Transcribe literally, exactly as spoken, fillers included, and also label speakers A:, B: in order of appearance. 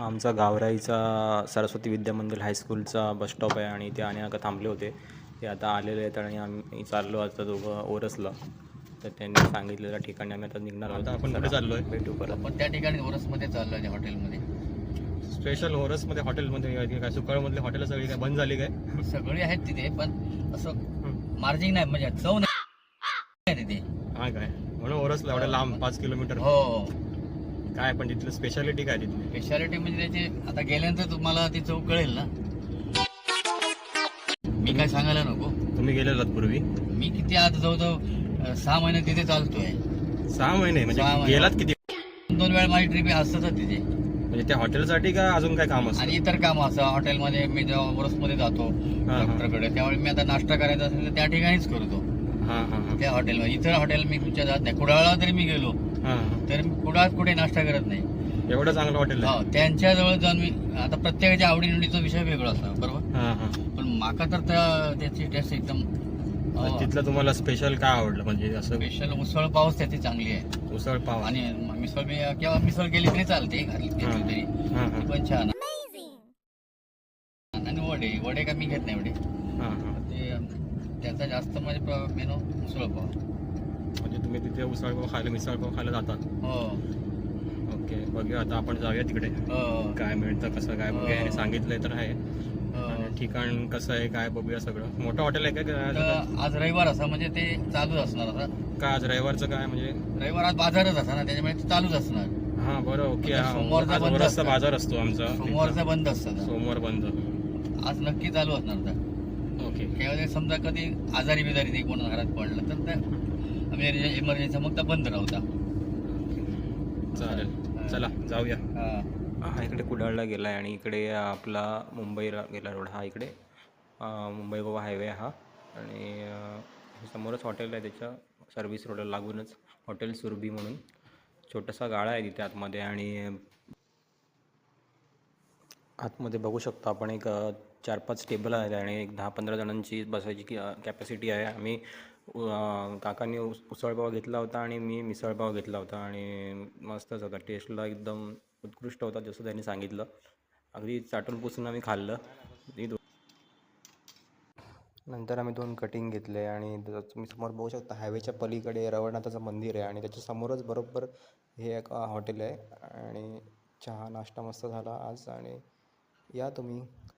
A: आमचा गावराईचा सरस्वती विद्या मंदिर हायस्कूलचा bus stop आहे आणि ते आणि थांबले होते. ते आता आलेले आहेत आणि आम्ही चाललो आता दोघं ओरसला. तर त्यांनी सांगितलेल्या ठिकाणी आम्ही आता निघणार आहोत. आपण कुठे चाललो आहे भेटू परत.
B: आपण त्या ठिकाणी ओरसमध्ये चाललो आहे हॉटेलमध्ये.
A: स्पेशल ओरसमध्ये हॉटेलमध्ये काय सुकाळमधले हॉटेल सगळी काय बंद झाली काय?
B: सगळी आहेत तिथे पण असं मार्जिंग नाही म्हणजे चव नाही तिथे.
A: हा काय म्हणून ओरसला एवढ्या लांब पाच किलोमीटर.
B: हो
A: काय पण तिथलं स्पेशालिटी काय तिथली?
B: स्पेशालिटी म्हणजे त्याची आता गेल्यानंतर तुम्हाला ती चव कळेल ना. मी काय सांगायला नको.
A: तुम्ही गेलेलात पूर्वी?
B: मी किती आज जवळजवळ सहा महिने तिथे चालतोय.
A: सहा महिने म्हणजे
B: सहा महिने.
A: गेलात किती?
B: दोन वेळा माझी ट्रिप असतात तिथे.
A: म्हणजे त्या हॉटेलसाठी का अजून काय काम असतं?
B: आणि इतर काम असं हॉटेलमध्ये मी जेव्हा ओरसमध्ये जातो डॉक्टरकडे त्यावेळी मी आता नाश्ता करायचा असेल तर त्या ठिकाणीच करतो.
A: हा हा हा
B: त्या हॉटेलमध्ये. इतर हॉटेल मी कुठच्या जात नाही. कुडाळला जरी मी गेलो
A: हा
B: तर मी कुडाळात कुठे नाश्ता करत नाही.
A: एवढं चांगलं हॉटेल आहे?
B: हो त्यांच्या जवळ जाऊन मी आता प्रत्येकाच्या आवडीनिवडीचा विषय वेगळा असतो बरोबर.
A: हा हा
B: पण माका तर त्या- त्याची टेस्ट एकदम
A: मग तिथलं तुम्हाला स्पेशल काय आवडलं म्हणजे असं?
B: स्पेशल उसळ पावच त्याची चांगली आहे.
A: उसळ पाव
B: आणि मिसळ बी किंवा मिसळ केली तरी चालते घातली घेतली तरी
A: हा
B: ती
A: हा
B: पण छान. आणि वडे वडे का मी घेत नाही वडे.
A: हा हा
B: ते त्याचा जास्त म्हणजे मेनू उसळ पाव.
A: म्हणजे तुम्ही तिथे उसळ पाव खायला मिसळ पाव खायला जातात?
B: हो
A: ओके बघूया आता आपण जाऊया तिकडे.
B: हो
A: काय मिळतं कसं काय बघूया. आणि सांगितलंय तर आहे
B: हो.
A: आणि ठिकाण कसं आहे काय बघूया सगळं. मोठं हॉटेल आहे का?
B: तर आज रविवार असा म्हणजे ते चालूच असणार आता.
A: काय आज रविवारचं काय म्हणजे?
B: रविवार आज बाजारच असा ना त्याच्यामुळे ते चालूच असणार.
A: हा बरं ओके.
B: म्हणजे सोमवारचा बंद
A: सोमवारचा
B: असतं.
A: बाजार असतो आमचा.
B: सोमवारचा बंद असतात.
A: सोमवार बंद.
B: आज नक्की चालू असणार आता.
A: ओके
B: त्यावेळेस समजा कधी आजारी बिजारी ते कोण घरात पडलं तर त्या आम्ही इमर्जन्सी मग तर बंद राहता.
A: चालेल चला जाऊया.
B: हा
A: हा इकडे कुडाळला गेला आहे आणि इकडे आपला मुंबईला गेला रोड हा इकडे मुंबई गोवा हायवे हा. आणि समोरच हॉटेल आहे त्याच्या सर्व्हिस रोडला लागूनच हॉटेल सुरभी म्हणून छोटासा गाळा आहे तिथे आतमध्ये. आणि आतमध्ये बघू शकतो आपण एक चार पाच टेबल आहेत आणि एक दहा पंधरा जणांची बसायची की कॅपॅसिटी आहे. आम्ही काकांनी उस उसळपाव घेतला होता आणि मी मिसळपाव घेतला होता आणि मस्तच होता. टेस्टला एकदम उत्कृष्ट होता जसं त्यांनी सांगितलं. अगदी चाटून पुसून आम्ही खाल्लं. नंतर आम्ही दोन कटिंग घेतले आणि तुम्ही समोर बघू शकता हायवेच्या पलीकडे रवळनाथाचं मंदिर आहे आणि त्याच्या समोरच बरोबर हे एक हॉटेल आहे. आणि चहा नाश्ता मस्त झाला आज. आणि या तुम्ही